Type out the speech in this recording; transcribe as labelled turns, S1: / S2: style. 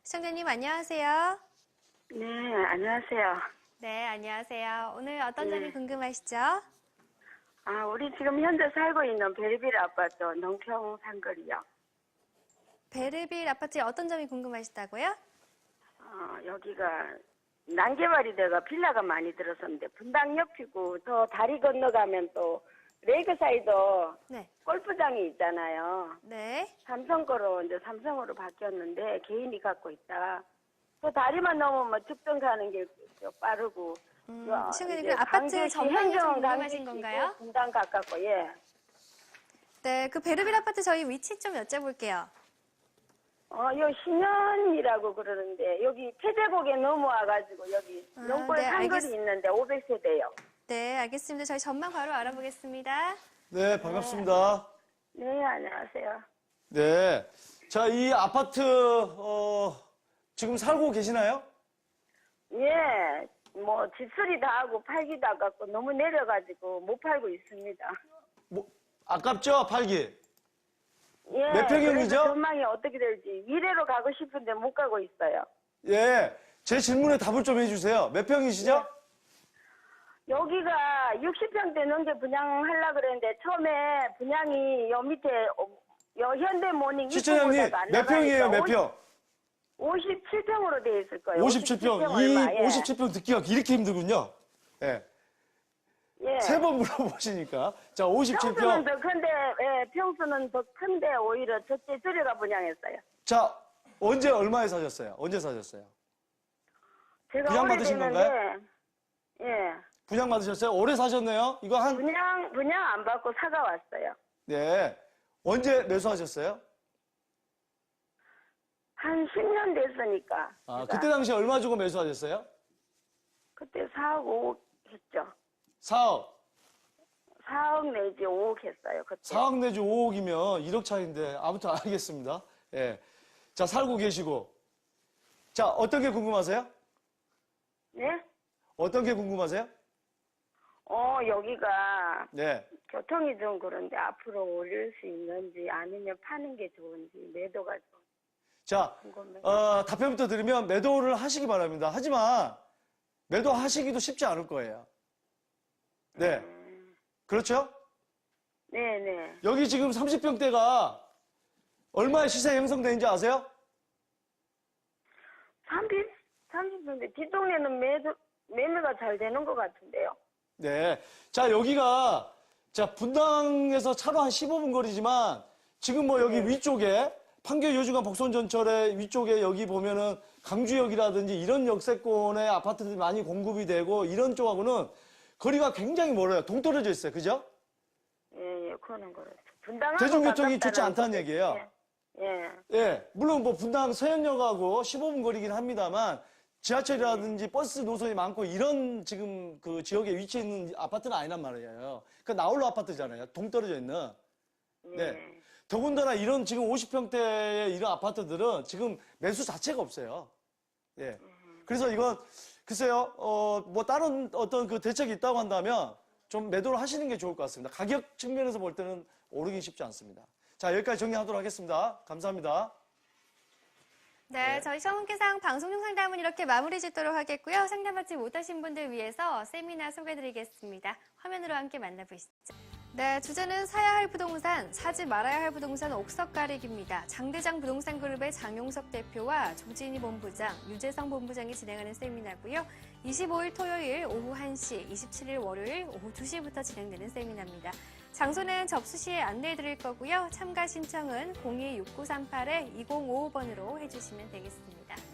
S1: 시청자님 안녕하세요.
S2: 네, 안녕하세요.
S1: 네, 안녕하세요. 오늘 어떤
S2: 네.
S1: 점이 궁금하시죠?
S2: 아, 우리 지금 현재 살고 있는 베리빌 아파트 농평 상거리요.
S1: 베르빌 아파트의 어떤 점이 궁금하시다고요?
S2: 여기가 난개발이 돼가 빌라가 많이 들어섰는데 분당 옆이고 더 다리 건너가면 또 레이크사이드
S1: 네.
S2: 골프장이 있잖아요.
S1: 네.
S2: 삼성 거로 이제 삼성으로 바뀌었는데 개인이 갖고 있다. 또 다리만 넘으면 측정 가는 게 빠르고.
S1: 시청자님,
S2: 이제
S1: 그 아파트
S2: 강제시
S1: 전망이 좀
S2: 행정
S1: 궁금하신
S2: 강제시고
S1: 건가요?
S2: 분당 가깝고 예.
S1: 네, 그 베르빌 아파트 저희 위치 좀 여쭤볼게요.
S2: 요 신현이라고 그러는데 여기 태제곡에 넘어와가지고 여기 농골
S1: 네,
S2: 상거리 있는데 500세대요.
S1: 네, 알겠습니다. 저희 전망 바로 알아보겠습니다.
S3: 네, 반갑습니다.
S2: 네, 안녕하세요.
S3: 네. 자, 이 아파트, 지금 살고 계시나요?
S2: 예, 뭐 집수리 다 하고 팔기도 아깝고 너무 내려가지고 못 팔고 있습니다.
S3: 뭐, 아깝죠? 팔기.
S2: 예,
S3: 몇 평형이죠?
S2: 그래서 전망이 어떻게 될지 미래로 가고 싶은데 못 가고 있어요.
S3: 예. 제 질문에 답을 좀 해주세요. 몇 평이시죠?
S2: 여기가 60평대 넘게 분양하려고 그랬는데 처음에 분양이 요 밑에 요 현대모닝
S3: 시청자님,
S2: 입구보다도 안
S3: 몇 평이에요? 몇 평?
S2: 57평으로 돼 있을 거예요.
S3: 57평.
S2: 얼마, 예.
S3: 57평 듣기가 이렇게 힘들군요. 예.
S2: 예.
S3: 세 번 물어보시니까. 자,
S2: 평수는
S3: 57평.
S2: 더 큰데, 예, 평수는 더 큰데 오히려 첫째 들여가 분양했어요.
S3: 자, 언제 얼마에 사셨어요? 언제 사셨어요?
S2: 제가
S3: 분양 받으신
S2: 오래됐는데, 예,
S3: 분양 받으셨어요? 오래 사셨네요? 이거
S2: 분양 안 받고 사가 왔어요.
S3: 네. 언제 매수하셨어요?
S2: 한 10년 됐으니까.
S3: 아,
S2: 제가.
S3: 그때 당시 얼마 주고 매수하셨어요?
S2: 그때 4억 5억 했죠.
S3: 4억.
S2: 4억 내지 5억 했어요. 그때.
S3: 4억 내지 5억이면 1억 차인데 아무튼 알겠습니다. 예. 자, 살고 계시고. 자, 어떤 게 궁금하세요?
S2: 네?
S3: 어떤 게 궁금하세요?
S2: 여기가
S3: 네.
S2: 교통이 좀 그런데 앞으로 올릴 수 있는지 아니면 파는 게 좋은지 매도가 좀
S3: 자,
S2: 궁금해요.
S3: 답변부터 드리면 매도를 하시기 바랍니다. 하지만 매도하시기도 쉽지 않을 거예요. 네. 그렇죠?
S2: 네네.
S3: 여기 지금 30평대가 얼마의 시세 형성되는지 아세요?
S2: 30평대 뒷동네는 매매가 잘 되는 것 같은데요.
S3: 네. 자, 여기가, 자, 분당에서 차로 한 15분 거리지만, 지금 뭐 여기 위쪽에, 판교 요중간 복선전철의 위쪽에 여기 보면은 강주역이라든지 이런 역세권의 아파트들이 많이 공급이 되고, 이런 쪽하고는 거리가 굉장히 멀어요. 동떨어져 있어요. 그죠?
S2: 예, 그거는 그렇죠. 분당하고
S3: 대중교통이
S2: 가깝다는
S3: 좋지 않다는
S2: 거죠.
S3: 얘기예요.
S2: 예.
S3: 예. 물론 뭐 분당 서현역하고 15분 거리긴 합니다만, 지하철이라든지 버스 노선이 많고 이런 지금 그 지역에 위치해 있는 아파트는 아니란 말이에요. 그 나홀로 아파트잖아요. 동떨어져 있는. 네. 더군다나 이런 지금 50평대의 이런 아파트들은 지금 매수 자체가 없어요. 예. 그래서 이건 글쎄요, 뭐 다른 어떤 그 대책이 있다고 한다면 좀 매도를 하시는 게 좋을 것 같습니다. 가격 측면에서 볼 때는 오르긴 쉽지 않습니다. 자, 여기까지 정리하도록 하겠습니다. 감사합니다.
S1: 네, 저희 성훈계상 방송용 상담은 이렇게 마무리 짓도록 하겠고요. 상담받지 못하신 분들 위해서 세미나 소개해드리겠습니다. 화면으로 함께 만나보시죠. 네, 주제는 사야 할 부동산, 사지 말아야 할 부동산 옥석 가리기입니다. 장대장 부동산 그룹의 장용석 대표와 조진희 본부장, 유재성 본부장이 진행하는 세미나고요. 25일 토요일 오후 1시, 27일 월요일 오후 2시부터 진행되는 세미나입니다. 장소는 접수 시에 안내해 드릴 거고요. 참가 신청은 026938-2055번으로 해주시면 되겠습니다.